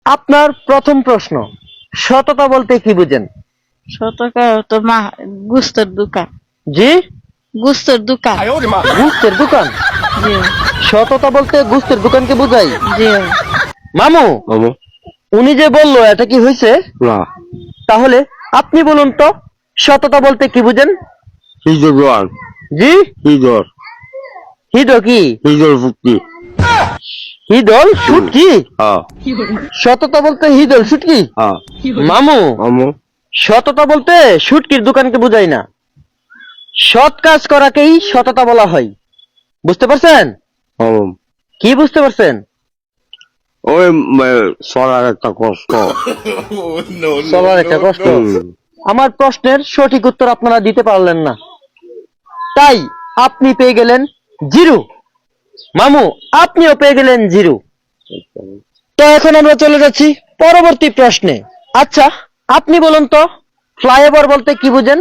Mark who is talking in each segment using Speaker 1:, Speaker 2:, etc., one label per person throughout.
Speaker 1: আপনার প্রথম প্রশ্ন, সততা বলতে কি বুঝেন?
Speaker 2: সততা তো গুস্তের দোকান।
Speaker 1: জি,
Speaker 2: গুস্তের দোকান।
Speaker 1: গুস্তের দোকান।
Speaker 2: জি
Speaker 1: সততা বলতে গুস্তের দোকানকে বোঝাই।
Speaker 2: জি।
Speaker 1: মামু,
Speaker 3: মামু
Speaker 1: উনি যে বললো এটা কি হয়েছে?
Speaker 3: না
Speaker 1: তাহলে আপনি বলুন তো, সততা বলতে কি বুঝেন?
Speaker 3: হিজর দোয়ান
Speaker 1: জি,
Speaker 3: হিজর
Speaker 1: হিদ কি?
Speaker 3: হিজর ফুটকি
Speaker 1: হিদল শুটকি?
Speaker 3: হ্যাঁ
Speaker 1: সততা বলতে হিদল শুটকি?
Speaker 3: হ্যাঁ
Speaker 1: মামু,
Speaker 3: মামু
Speaker 1: সততা বলতে শুটকির দোকানকে বোঝায় না, সৎ কাজ করাকেই সততা বলা হয়। বুঝতে পারছেন?
Speaker 3: মামু
Speaker 1: কি বুঝতে পারছেন?
Speaker 3: ওই চলার একটা কষ্ট
Speaker 1: চলার একটা কষ্ট।
Speaker 3: হুম।
Speaker 1: আমার প্রশ্নের সঠিক উত্তর আপনারা দিতে পারলেন না, তাই আপনি পেয়ে গেলেন 0। মামু, আপনিও পেয়ে গেলেন 0। তো এখন আমরা চলে যাচ্ছি পরবর্তী প্রশ্নে। আচ্ছা, আপনি বলুন তো, ফ্লাইওভার বলতে কি বুঝেন?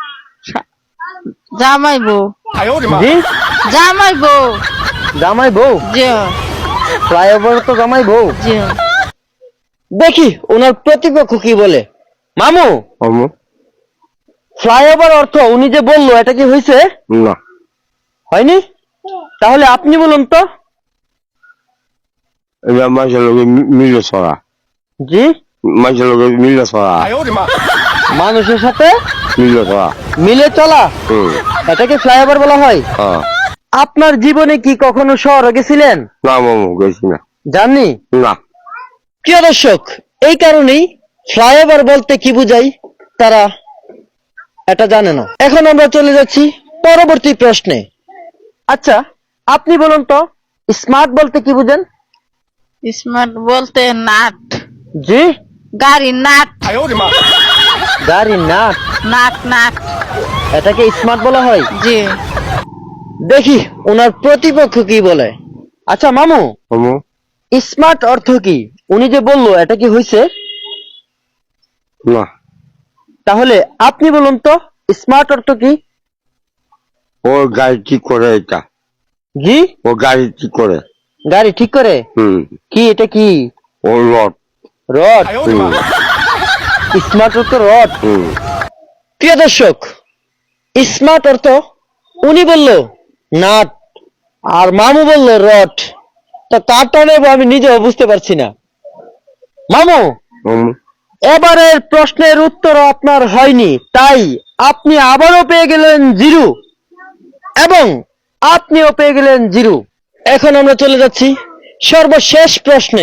Speaker 2: জামাই বউ।
Speaker 1: জি,
Speaker 2: জামাই বউ।
Speaker 1: জামাই বউ।
Speaker 2: জি
Speaker 1: ফ্লাইওভার তো জামাই বউ।
Speaker 2: জি।
Speaker 1: দেখি ওনার প্রতিপক্ষ কি বলে। মামু,
Speaker 3: মামু
Speaker 1: ফ্লাইওভার অর্থ উনি যে বললো এটা কি হয়েছে?
Speaker 3: না
Speaker 1: হয়নি? তাহলে আপনি বলুন তো।
Speaker 3: এটা মাঝে লোকে মিলে চলা
Speaker 1: জি,
Speaker 3: মাঝে লোকে মিলে চলা
Speaker 1: মানুষের সাথে
Speaker 3: মিলে চলা
Speaker 1: মিলে চলা,
Speaker 3: হুম
Speaker 1: এটাকে ফ্লাইওভার বলা হয়।
Speaker 3: হ্যাঁ
Speaker 1: আপনার জীবনে কি কখনো শহরে গেছিলেন?
Speaker 3: না মামু গেছি না
Speaker 1: জাননি?
Speaker 3: না
Speaker 1: প্রিয় দর্শক, এই কারণেই ফ্লাইওভার বলতে কি বুঝাই তারা এটা জানে না। এখন আমরা চলে যাচ্ছি পরবর্তী প্রশ্নে। আচ্ছা, আপনি বলুন তো, স্মার্ট বলতে কি বুঝেন?
Speaker 2: স্মার্ট বলতে নাট।
Speaker 1: জি,
Speaker 2: গাড়ি নাট।
Speaker 1: গাড়ি নাট,
Speaker 2: নাট নাট।
Speaker 1: এটাকে স্মার্ট বলা হয়।
Speaker 2: জি।
Speaker 1: দেখি ওনার প্রতিপক্ষ কি বলে। আচ্ছা মামু,
Speaker 3: মামু
Speaker 1: স্মার্ট অর্থ কি? উনি যে বললো এটা কি হয়েছে?
Speaker 3: না
Speaker 1: তাহলে আপনি বলুন তো, স্মার্ট অর্থ কি?
Speaker 3: ও গাড়ি ঠিক করে এটা
Speaker 1: জি,
Speaker 3: ও গাড়ি ঠিক করে
Speaker 1: গাড়ি ঠিক করে।
Speaker 3: হুম
Speaker 1: কি এটা কি?
Speaker 3: ও লট
Speaker 1: রড।
Speaker 3: হুম
Speaker 1: স্মার্ট অর্থ রড।
Speaker 3: হুম
Speaker 1: প্রিয় দর্শক, স্মার্ট অর্থ উনি বলল নাট, আর মামু বলল রড। তা কারটা নেব আমি নিজেও বুঝতে পারছি না। মামু,
Speaker 3: মামু
Speaker 1: এবারের প্রশ্নের উত্তর আপনার হয়নি, তাই আপনি আবারও পেয়ে গেলেন 0 এবং আপনিও পেয়ে গেলেন 0। এখন আমরা চলে যাচ্ছি সর্বশেষ প্রশ্নে।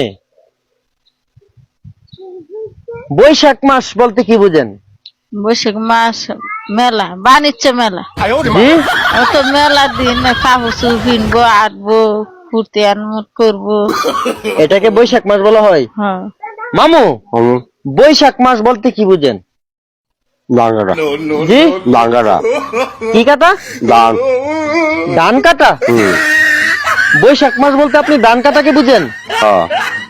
Speaker 1: বৈশাখ মাস বলতে কি বুঝেন?
Speaker 2: বৈশাখ মাস মেলা, বাণিজ্য মেলা।
Speaker 1: জি,
Speaker 2: অত মেলা দিন কাপড় কিনবো, আটবো, ফুর্তি আনমত করবো।
Speaker 1: এটাকে বৈশাখ মাস বলা হয়।
Speaker 2: হ্যাঁ।
Speaker 1: মামু,
Speaker 3: মামু
Speaker 1: বৈশাখ মাস বলতে কি বুঝেন?
Speaker 3: ডাঙ্গারা
Speaker 1: জি,
Speaker 3: ডাঙ্গারা
Speaker 1: কি কাটা?
Speaker 3: ডান
Speaker 1: ধান কাটা।
Speaker 3: হুম
Speaker 1: বৈশাখ মাস বলতে আপনি ধান কাটাকে বুঝেন?
Speaker 3: হ্যাঁ